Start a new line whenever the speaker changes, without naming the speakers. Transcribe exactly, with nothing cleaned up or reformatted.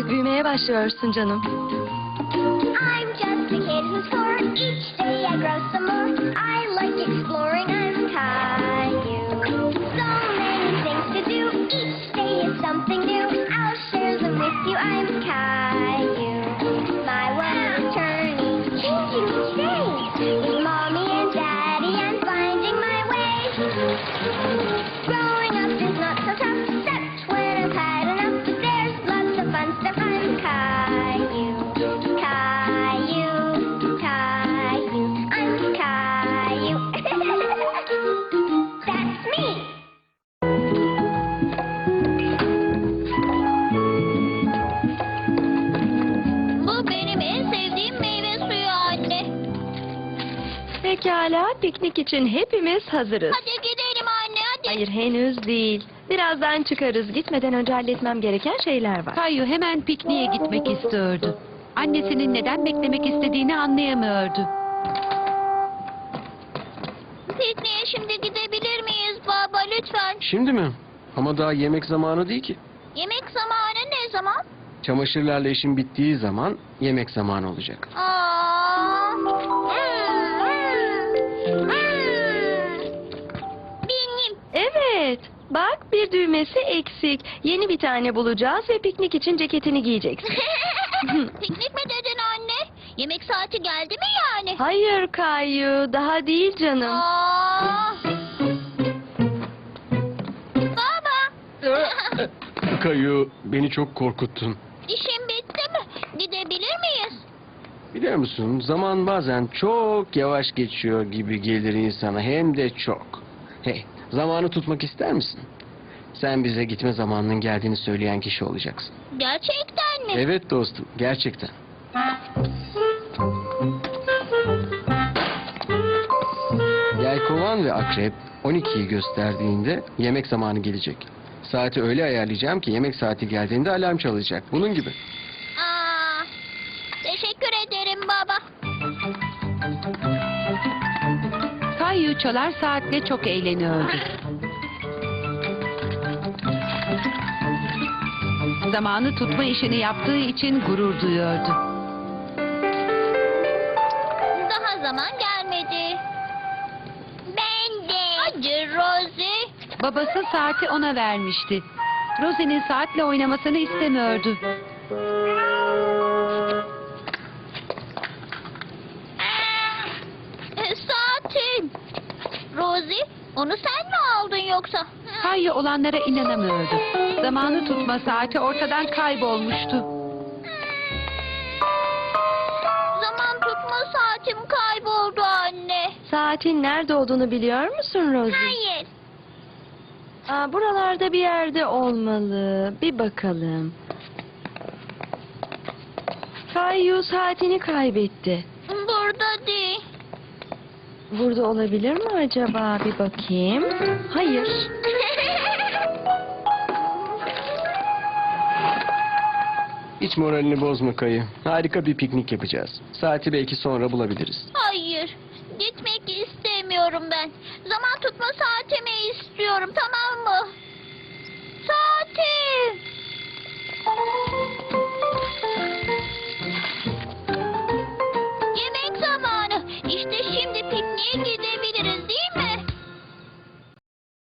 Artık büyümeye başlıyorsun canım.
I'm just a kid who's four. Each day I grow some more. I like exploring. I'm Caillou. So many things to do. Each day is something new. I'll share them with you. I'm Caillou. My world is turning, changing each day. With mommy and daddy, I'm finding my way. Growing up is not so tough, except when I've had enough. But there's lots of fun stuff. I'm Caillou. Caillou, Caillou, I'm Caillou. That's me. Bu benim en sevdiğim meyve suyu anne.
Pekala, piknik için hepimiz hazırız.
Hadi gidelim anne hadi.
Hayır, henüz değil. Birazdan çıkarız. Gitmeden önce halletmem gereken şeyler var.
Kayu hemen pikniğe gitmek istiyordu. Annesinin neden beklemek istediğini anlayamıyordu.
Pikniğe şimdi gidebilir miyiz baba lütfen?
Şimdi mi? Ama daha yemek zamanı değil ki.
Yemek zamanı ne zaman?
Çamaşırlarla işin bittiği zaman yemek zamanı olacak.
Aa. Benim.
Evet. Bak, bir düğmesi eksik. Yeni bir tane bulacağız ve piknik için ceketini giyeceksin.
Piknik mi dedin anne? Yemek saati geldi mi yani?
Hayır Kayu, daha değil canım.
Aa. Baba.
Kayu, beni çok korkuttun.
İşim bitti mi? Gidebilir miyiz?
Biliyor musun, zaman bazen çok yavaş geçiyor gibi gelir insana, hem de çok. Hey, zamanı tutmak ister misin? Sen bize gitme zamanının geldiğini söyleyen kişi olacaksın.
Gerçekten mi?
Evet dostum, gerçekten. Yelkovan ve akrep on ikiyi gösterdiğinde yemek zamanı gelecek. Saati öyle ayarlayacağım ki yemek saati geldiğinde alarm çalacak. Bunun gibi.
Aa, teşekkür ederim baba.
Kayu çalar saatle çok eğleniyordu. Zamanı tutma işini yaptığı için gurur duyuyordu.
Daha zaman gelmedi. Ben de. Hadi Rosie.
Babası saati ona vermişti. Rosie'nin saatle oynamasını istemiyordu.
Aa, e, saatim. Rosie, onu sen mi aldın yoksa?
Kayu olanlara inanamıyordu. Zamanı tutma saati ortadan kaybolmuştu.
Zaman tutma saatim kayboldu anne.
Saatin nerede olduğunu biliyor musun Rosie?
Hayır.
Aa, buralarda bir yerde olmalı. Bir bakalım. Kayu saatini kaybetti.
Burada değil.
Burada olabilir mi acaba? Bir bakayım. Hayır.
Hiç moralini bozma Kayı. Harika bir piknik yapacağız. Saati belki sonra bulabiliriz.
Hayır. Gitmek istemiyorum ben. Zaman tutma saatimi istiyorum, tamam mı?